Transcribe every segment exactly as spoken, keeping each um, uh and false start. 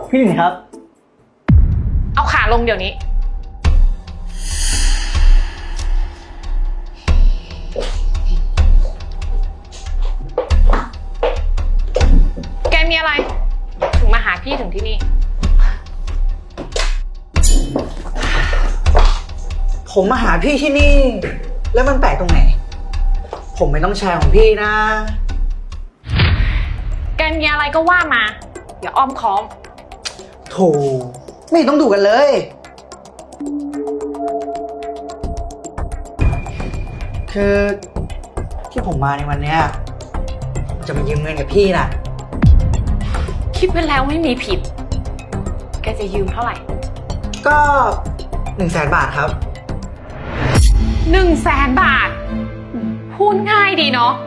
พี่หนึ่งครับเอาขาลงเดี๋ยวนี้แกมีอะไรถึงมาหาพี่ถึงที่นี่ผมมาหาพี่ที่นี่แล้วมันแปลกตรงไหนผมไม่ต้องแชร์ของพี่นะแกมีอะไรก็ว่ามาอย่าอ้อมค้อมโถไม่ต้องดูกันเลยคือที่ผมมาในวันเนี้ยจะมายืมเงินกับพี่นะคิดไปแล้วไม่มีผิดแกจะยืมเท่าไหร่ก็หนึ่งแสนบาทครับหนึ่งแสนบาทพูดง่ายดีเนาะ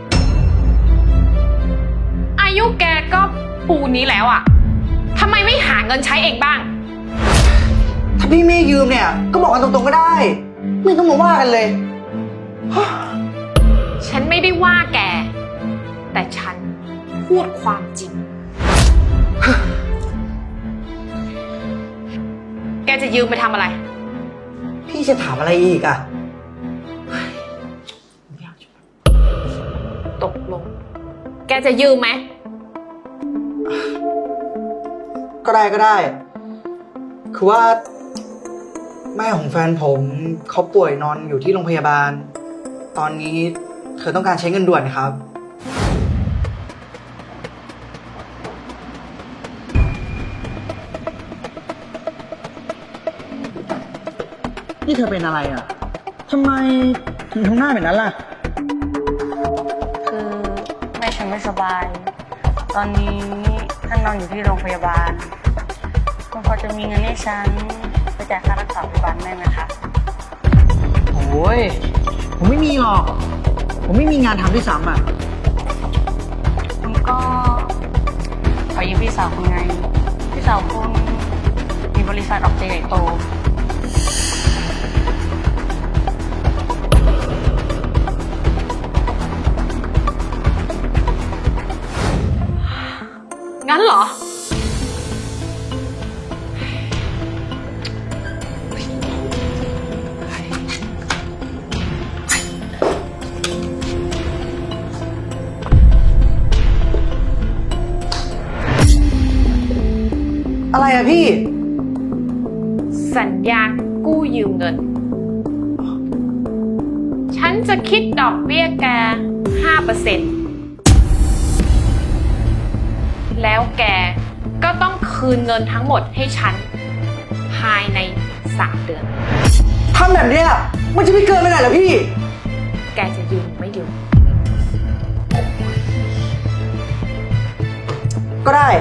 อายุแกก็ปูนนี้แล้วอะทำไมไม่หาเงินใช้เองบ้างถ้าพี่ไม่ยืมเนี่ยก็บอกกันตรงๆก็ได้ไม่ต้องมาว่ากันเลยฉันไม่ได้ว่าแกแต่ฉันพูดความจริงแกจะยืมไปทำอะไรพี่จะถามอะไรอีกอะตกลงแกจะยืมไหมก็ได้ก็ได้คือว่าแม่ของแฟนผมเขาป่วยนอนอยู่ที่โรงพยาบาลตอนนี้เธอต้องการใช้เงินด่วนครับนี่เธอเป็นอะไรอ่ะทำไมถึงทำหน้าแบบนั้นล่ะคือแม่ฉันไม่สบายตอนนี้ท่านนอนอยู่ที่โรงพยาบาลคุณพอจะมีเงินให้ฉันไปจ่ายค่ารักษาพยาบาลได้ไหมคะโอ้ยผมไม่มีหรอกผมไม่มีงานทำด้วยซ้ำอ่ะคุณก็ขอยืมพี่สาวคุณไงพี่สาวคุณมีบริษัทออกเจใหญ่โตงั้นเหรออะไรอะพี่สัญญากู้ยืมเงินฉันจะคิดดอกเบี้ยแก ห้าเปอร์เซ็นต์ แล้วแกก็ต้องคืนเงินทั้งหมดให้ฉันภายในสามเดือนทำแบบนี้มันจะไม่เกินไปไหนเหรอพี่แกจะยืมไม่ยืมก็ได้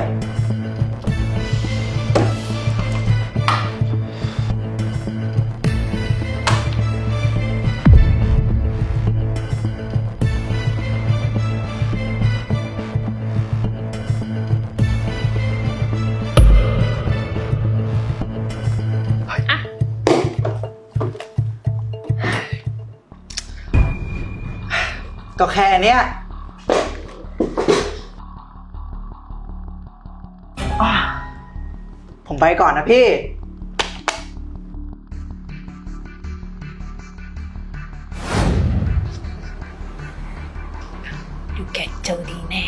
ก็แค่เนี้ยผมไปก่อนนะพี่ดูแกเจอดีแน่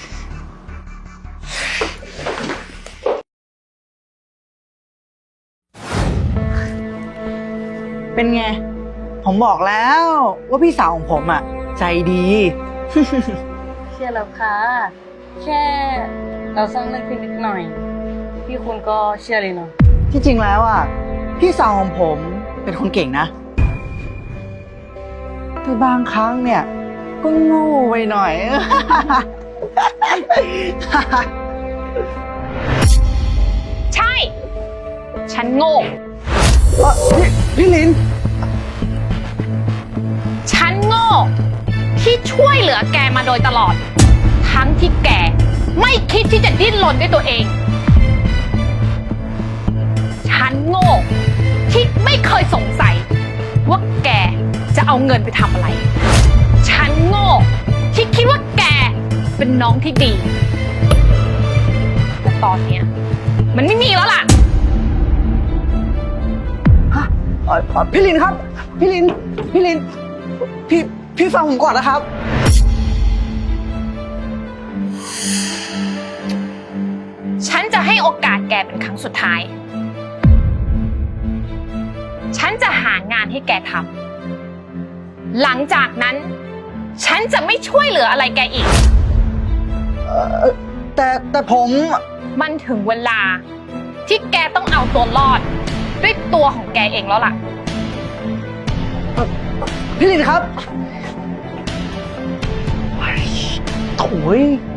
เป็นไงผมบอกแล้วว่าพี่สาวของผมอ่ะใจดีเชื่อแล้วค่ะแค่เราสร้างเรื่องขึ้นนิดหน่อยพี่คุณก็เชื่อเลยเนาะที่จริงแล้วอ่ะพี่สาวของผมเป็นคนเก่งนะแต่บางครั้งเนี่ยก็โง่ไปหน่อยใช่ฉันโง่พี่พี่ลินฉันโง่ที่ช่วยเหลือแกมาโดยตลอดทั้งที่แกไม่คิดที่จะดิ้นรนด้วยตัวเองฉันโง่ที่ไม่เคยสงสัยว่าแกจะเอาเงินไปทำอะไรฉันโง่ที่คิดว่าแกเป็นน้องที่ดีแต่ตอนเนี้ยมันไม่มีแล้วล่ะฮะเอ่อเอ่อพี่ลินครับ พี่ลิน พี่ลิน พี่ พี่ฟังผมก่อนนะครับฉันจะให้โอกาสแกเป็นครั้งสุดท้าย ฉันจะหางานให้แกทำ หลังจากนั้น ฉันจะไม่ช่วยเหลืออะไรแกอีกเอ่อแต่แต่ผมมันถึงเวลาที่แกต้องเอาตัวรอด ด้วยตัวของแกเองแล้วล่ะพี่ลินครับโถ่ย